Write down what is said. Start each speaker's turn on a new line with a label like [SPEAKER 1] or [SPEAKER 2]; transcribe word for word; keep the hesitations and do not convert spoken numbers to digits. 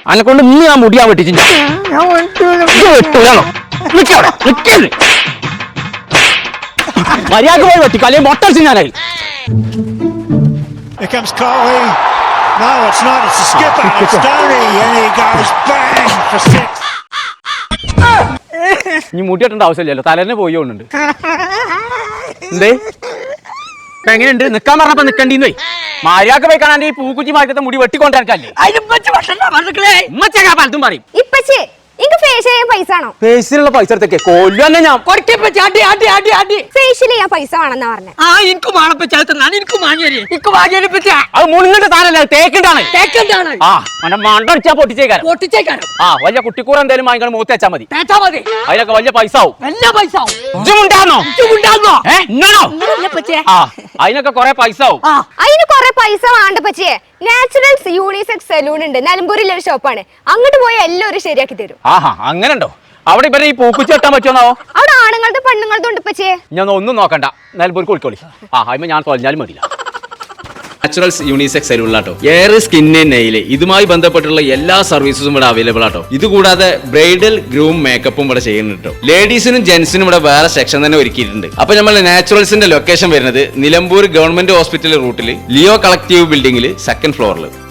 [SPEAKER 1] അന്നെ കൊണ്ട് ഇന്ന് ഞാൻ മുടിയാൻ വെട്ടിച്ചു വെട്ടൂലാണോ മര്യാദ പോയി വെട്ടിക്കോ അല്ലെങ്കിൽ മൊട്ടടിച്ച് ഞാനായി.
[SPEAKER 2] Here comes Coley. No, it's not. It's the skipper. It's Stoney, and he goes bang for six.
[SPEAKER 1] ഇനി മുടി വെട്ടേണ്ട ആവശ്യമില്ലല്ലോ, തലേന്നെ പോയി കൊണ്ടുണ്ട്. എന്തേ ഇപ്പൊ എങ്ങനെയുണ്ട്? നിക്കാൻ പറഞ്ഞപ്പോ നിക്കണ്ടീന്ന് പോയി. മര്യാദ പോയി കാണാൻ ഈ പൂക്കുറ്റി മാറ്റത്തെ മുടി വെട്ടിക്കൊണ്ടിരിക്കല്ലേ പലതും പറയും.
[SPEAKER 3] ഫേഷ്യൽ ചെയ്യാൻ പൈസ ആണോ?
[SPEAKER 1] ഫേഷ്യലുള്ള പൈസ എടുത്തേക്ക് കൊല്ലന്നെ ഞാൻ
[SPEAKER 3] ഫേഷ്യൽ ചെയ്യാൻ പൈസ വേണമെന്നാ പറഞ്ഞേ.
[SPEAKER 1] അത് മുണിങ്ങട്ട് താനല്ല, തേക്കിണ്ടാണ് ആ മണ്ട മണ്ടടിച്ചാ പൊട്ടിച്ചേക്കാരം പൊട്ടിച്ചേക്കാരം ആ വലിയ കുട്ടിക്കൂറ എന്തേലും വാങ്ങിക്കാൻ മൂത്ത് വെച്ചാൽ മതി. അതിനൊക്കെ വലിയ പൈസ ആവും. അതിനൊക്കെ കൊറേ പൈസ ആവും.
[SPEAKER 3] അതിന് കൊറേ പൈസ വേണ്ട പച്ചേ. നാച്ചുറൽസ് യൂണിസെക്സ് സലൂൺ ഉണ്ട് നിലമ്പൂരിലെ ഒരു ഷോപ്പാണ്. അങ്ങോട്ട് പോയി എല്ലാവരും ശരിയാക്കി തരും.
[SPEAKER 1] ആഹാ അങ്ങനെ ഉണ്ടോ? അവിടെ ഇവരെ ഈ പൂക്കുറ്റി വെട്ടാൻ പറ്റുമോ?
[SPEAKER 3] അവിടെ ആണുങ്ങളുടെ പെണ്ണുങ്ങളുടെ ഉണ്ട് പച്ചേ.
[SPEAKER 1] ഞാൻ ഒന്നും നോക്കണ്ട, നിലമ്പൂർക്ക് വിളിക്കോളി. ആ അതിന് ഞാൻ തൊലഞ്ഞാലും മതിയില്ല. നാച്ചുറൽസ് യൂണിസെക്സ് സലൂണിലാട്ടോ എയർ സ്കിന്ന് നെയില് ഇതുമായി ബന്ധപ്പെട്ടുള്ള എല്ലാ സർവീസസും ഇവിടെ അവൈലബിൾ ആട്ടോ. ഇതുകൂടാതെ ബ്രൈഡൽ ഗ്രൂം മേക്കപ്പും ഇവിടെ ചെയ്യുന്നുണ്ട്. ലേഡീസിനും ജെന്റ്സിനും ഇവിടെ വേറെ സെക്ഷൻ തന്നെ ഒരുക്കിയിട്ടുണ്ട്. അപ്പൊ നമ്മൾ നാച്ചുറൽസിന്റെ ലൊക്കേഷൻ വരുന്നത് നിലമ്പൂർ ഗവൺമെന്റ് ഹോസ്പിറ്റൽ റൂട്ടിൽ ലിയോ കളക്ടീവ് ബിൽഡിംഗിൽ സെക്കൻഡ് ഫ്ലോറിൽ.